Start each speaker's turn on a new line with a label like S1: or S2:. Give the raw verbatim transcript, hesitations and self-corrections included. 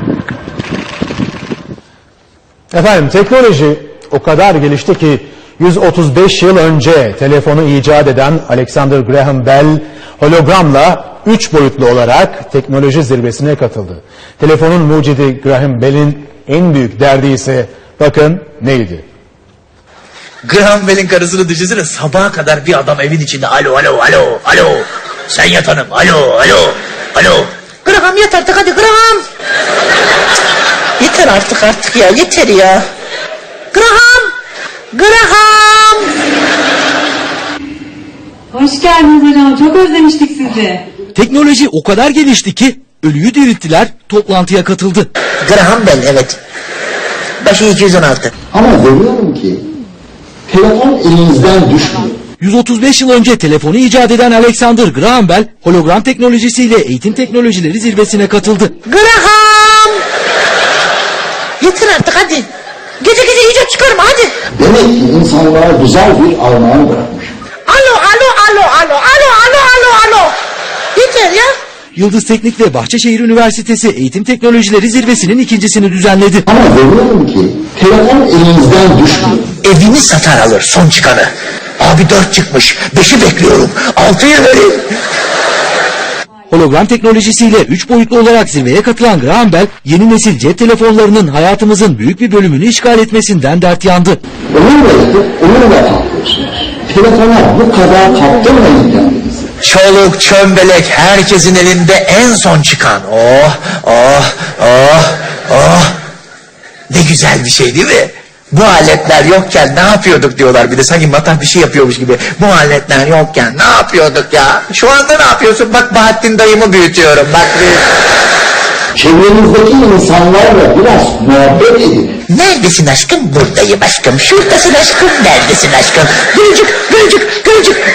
S1: Efendim, teknoloji o kadar gelişti ki yüz otuz beş yıl önce telefonu icat eden Alexander Graham Bell hologramla üç boyutlu olarak teknoloji zirvesine katıldı. Telefonun mucidi Graham Bell'in en büyük derdi ise bakın neydi?
S2: Graham Bell'in karısını düşünsene, sabaha kadar bir adam evin içinde alo alo alo alo sen yat hanım alo alo alo. Graham yat artık hadi Graham. Yeter artık artık ya yeter ya. Graham. Graham.
S3: Hoş geldiniz hocam. Çok özlemiştik sizi.
S4: Teknoloji o kadar gelişti ki ölüyü dirilttiler, toplantıya katıldı.
S2: Graham Bell evet. Başı iki yüz on altı.
S5: Ama görüyorum ki telefon elinizden düşmüyor.
S4: yüz otuz beş yıl önce telefonu icat eden Alexander Graham Bell hologram teknolojisiyle eğitim teknolojileri zirvesine katıldı.
S2: Graham. Yeter artık hadi. Gece gece icat çıkarma hadi.
S5: Demek ki insanlığa güzel bir armağan bırakmış.
S2: Alo alo alo alo alo alo alo alo. Yeter ya.
S4: Yıldız Teknik ve Bahçeşehir Üniversitesi Eğitim Teknolojileri Zirvesi'nin ikincisini düzenledi.
S5: Ama görüyorum ki telefon elinizden düşmüyor.
S2: Evini satar alır son çıkanı. Abi dört çıkmış. Beşi bekliyorum. Altıyı verin.
S4: Hologram teknolojisiyle üç boyutlu olarak zirveye katılan Graham Bell, yeni nesil cep telefonlarının hayatımızın büyük bir bölümünü işgal etmesinden dert yandı.
S5: Onunla yatıp onunla kalkıyorsunuz. Telefona bu kadar kaptırmayın kendinizi.
S2: Çoluk çömbelek herkesin elinde en son çıkan. Oh oh oh oh. Ne güzel bir şey değil mi? Bu aletler yokken ne yapıyorduk diyorlar, bir de sanki matah bir şey yapıyormuş gibi. Bu aletler yokken ne yapıyorduk ya? Şu anda ne yapıyorsun? Bak Bahattin dayımı büyütüyorum. Bak bir...
S5: Çevrenizdeki insanlarla biraz muhabbet edin.
S2: Neredesin aşkım? Buradayım aşkım. Şuradasın aşkım. Neredesin aşkım? Gülücük, gülücük, gülücük.